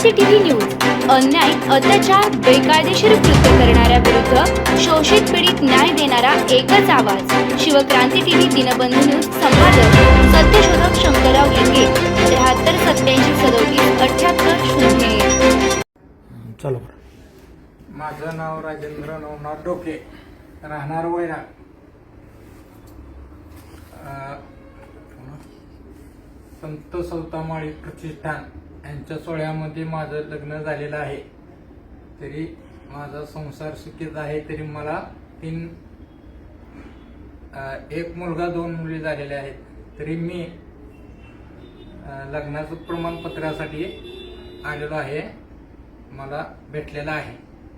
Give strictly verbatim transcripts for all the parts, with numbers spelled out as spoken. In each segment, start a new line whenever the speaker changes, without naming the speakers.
क्रांती TV news अन्याय, अत्याचार, बेकायदेशीर कृत्य करणाऱ्या विरुद्ध शोषित पीडित न्याय देणारा एकच आवाज. Shivkranti TV Dinbandhu news. संपादक सत्यशोधक शंकरराव लिंगे. त्र्याहत्तर सत्याऐंशी सदोतीस अठ्याहत्तर शून्य.
चलो.
माझं नाव राजेंद्र नवनाथ डोके, राहणार वैराग. संत सौतामाळी प्रतिष्ठान यांच्या सोहळ्यामध्ये माझं लग्न झालेलं आहे. तरी माझा संसार सुखीत आहे. तरी मला तीन एक मुलगा दोन मुली झालेले आहेत. तरी मी लग्नाचं प्रमाणपत्रासाठी आलेलो आहे. मला भेटलेलं आहे.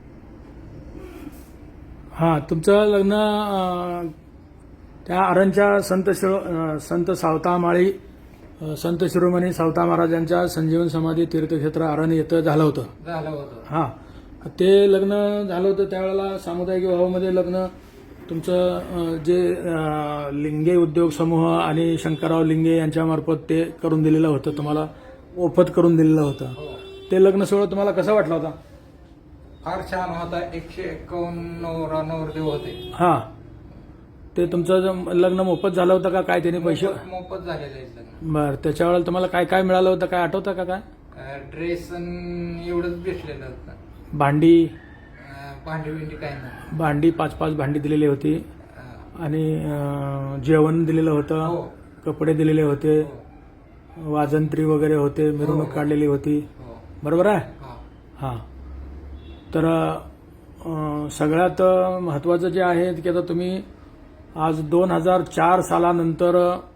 हां, तुमचं लग्न अं, त्या आरणच्या संत शिरो अं, संत सावतामाळी अं, संत शिरोमणी सावता महाराजांच्या संजीवन समाधी तीर्थक्षेत्र आरण येथं झालं होतं.
झालं होतं.
हां, ते लग्न झालं होतं त्यावेळेला सामुदायिक विवाहामध्ये लग्न तुमचं अं, जे अं, लिंगे उद्योग समूह आणि शंकरराव लिंगे यांच्यामार्फत ते करून दिलेलं होतं, तुम्हाला मोफत करून दिलेलं होतं.
हो.
ते लग्न सोहळा तुम्हाला कसा वाटला होता?
फार छान होता. एकशे एक्कावन्न नवरा नवरदेव होते.
हां, ते तुमचं जे लग्न मोफत झालं होतं का काय? त्याने पैसे
मोफत मोफत झालेले आहेत लग्न.
बरं, त्याच्या वेळेला तुम्हाला काय काय मिळालं होतं, काय आठवतं का? काय
ड्रेस एवढंच भेटलेलं होतं.
भांडी
अं, भांडी बिंडी काय नाही.
भांडी पाच पाच भांडी दिलेली होती
अं,
आणि अं, जेवण दिलेलं होतं,
हो.
कपडे दिलेले होते,
हो.
वाजंत्री वगैरे होते, मिरवणूक
हो.
काढलेली होती.
हो.
बरोबर आहे?
हा.
हां. तर अं, सगळ्यात महत्त्वाचं जे आहे की आता तुम्ही आज दोन हजार चार सालानंतर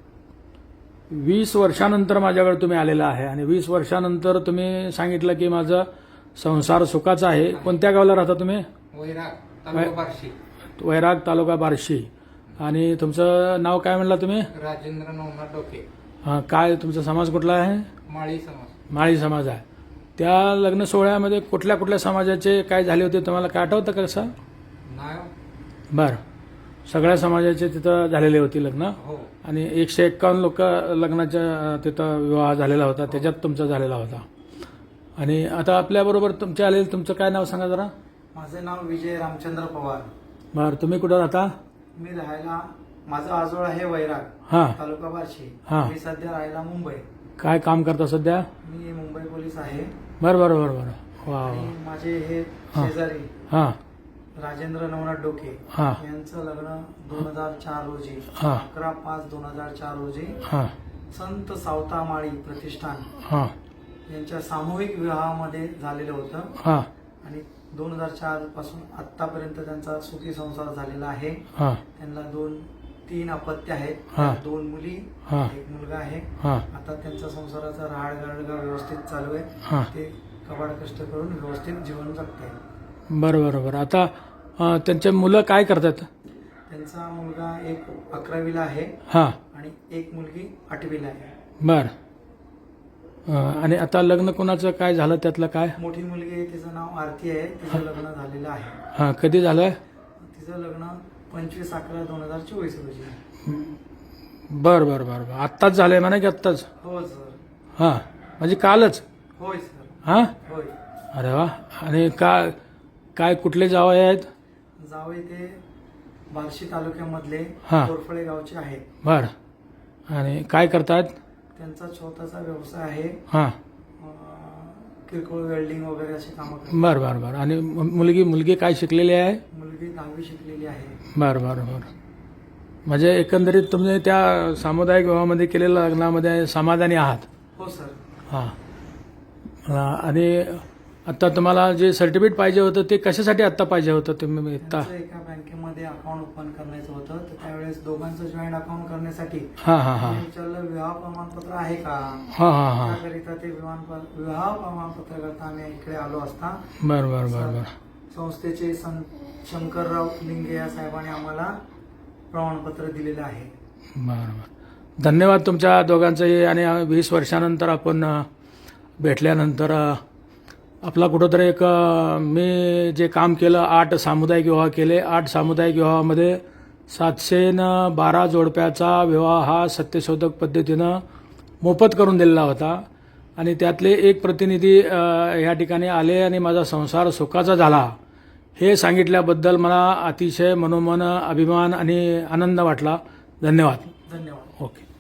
वीस वर्षानंतर माझ्याकडे तुम्ही आलेला आहे आणि वीस वर्षानंतर तुम्ही सांगितलं की माझा संसार सुखाचा आहे. कोणत्या गावाला राहता तुम्ही?
वैराग, तालुका बार्शी.
वैराग, तालुका बार्शी. आणि तुमचं नाव काय म्हणला तुम्ही?
राजेंद्र नवनाथ डोके.
हां, काय तुमचा समाज कुठला आहे?
माळी समाज.
माळी समाज आहे. त्या लग्न सोहळ्यामध्ये कुठल्या कुठल्या समाजाचे काय झाले होते तुम्हाला काय आठवतं का? कसं?
नाव.
बरं, सगळ्या समाजाचे तिथं झालेले होते लग्न
हो.
आणि एकशे एक्कावन्न लोक लग्नाच्या तिथं विवाह झालेला होता, त्याच्यात तुमचा झालेला होता. आणि आता आपल्याबरोबर तुमचे आलेले, तुमचं काय नाव सांगा जरा?
माझं नाव विजय रामचंद्र पवार.
बरं, तुम्ही कुठं राहता?
मी राहायला, माझं आजोळ आहे वैराग,
हां
तालुका बार्शी.
हां.
मी सध्या राहायला मुंबई.
काय काम करता सध्या?
मी मुंबई पोलीस आहे.
बरं बरं बरं बरं. वा
आणि
वा.
माझे हे
हां.
शेजारी
हां
राजेंद्र नवनाथ डोके
हां
यांचं लग्न दोन हजार चार रोजी,
हां
अकरा पाच दोन हजार चार रोजी
हां
संत सावतामाळी प्रतिष्ठान
हां
यांच्या सामूहिक विवाहामध्ये झालेलं होतं.
हां
आणि दोन हजार चार पासून आतापर्यंत त्यांचा सुखी संसार झालेला आहे.
हां
त्यांना दोन तीन अपत्य आहेत.
हा.
दोन मुली,
हा.
एक मुलगा आहे.
हां
आता त्यांचा संसाराचा राहाड गाडगा व्यवस्थित चालू आहे.
हां.
ते कबाड कष्ट करून व्यवस्थित जीवन जगत आहे.
बरं बरं बरं. आता अं, त्यांचे मुलं काय करतात?
त्यांचा मुलगा एक अकरावीला आहे
हां
आणि एक मुलगी आठवीला आहे.
बरं. अं, आणि आता लग्न कोणाचं काय झालं त्यातलं काय?
मोठी मुलगी आहे, तिचं नाव आरती आहे. तिचं लग्न झालेलं आहे.
हां, कधी झालं?
तिचं लग्न पंचवीस अकरा दोन हजार चोवीस रोजी.
बरं बरं बरं बरं. आत्ताच झालंय म्हणा की आत्ताच?
हो सर.
हां, म्हणजे कालच?
होय सर.
हां.
होय.
अरे वा. आणि का काय कुठले जावई आहेत?
जावई ते बार्शी तालुक्यामधले
हा.
कोरफळे गावचे आहेत.
बरं. आणि काय करतात?
त्यांचा छोटासा व्यवसाय आहे.
हां.
अं, किरकोळ वेल्डिंग वगैरे अशी कामं करतात.
बरं बरं बरं. आणि मु- मुलगी मुलगी काय शिकलेली आहे?
मुलगी दहावी शिकलेली आहे.
बरं बरं बरं. म्हणजे एकंदरीत तुम्ही त्या सामुदायिक विवाहामध्ये केलेल्या लग्नामध्ये समाधानी आहात?
हो सर.
हां. अं, आणि आत्ता तुम्हाला जे सर्टिफिकेट पाहिजे होतं ते कशासाठी आत्ता पाहिजे होतं? तुम्ही आत्ता?
त्यांचं एका बँकेमध्ये अकाउंट ओपन करायचं होतं, तर त्यावेळेस दोघांचं जॉईंट अकाउंट करण्यासाठी
हां हां हां
मी विचारलं विवाह प्रमाणपत्र आहे का.
हां हां हां.
त्याकरिता ते विमान विवाह प्रमाणपत्र करता आम्ही इकडे आलो असता
बरं बरं बरं बरं.
संस्थेचे सं शंकरराव लिंगे या साहेबांनी आम्हाला प्रमाणपत्र दिलेलं आहे.
बरं बरं. धन्यवाद तुमच्या दोघांचंही. आणि वीस वर्षानंतर आपण अ, भेटल्यानंतर अ, आपला कुठंतरी एक अ, मी जे काम केलं, आठ सामुदायिक विवाह केले. आठ सामुदायिक विवाहामध्ये सातशे न बारा जोडप्याचा विवाह हा सत्यशोधक पद्धतीनं मोफत करून दिलेला होता. आणि त्यातले एक प्रतिनिधी अ, या ठिकाणी आले आणि माझा संसार सुखाचा झाला हे सांगितल्याबद्दल मला अतिशय मनोमन अभिमान आणि आनंद वाटला. धन्यवाद.
धन्यवाद.
ओके.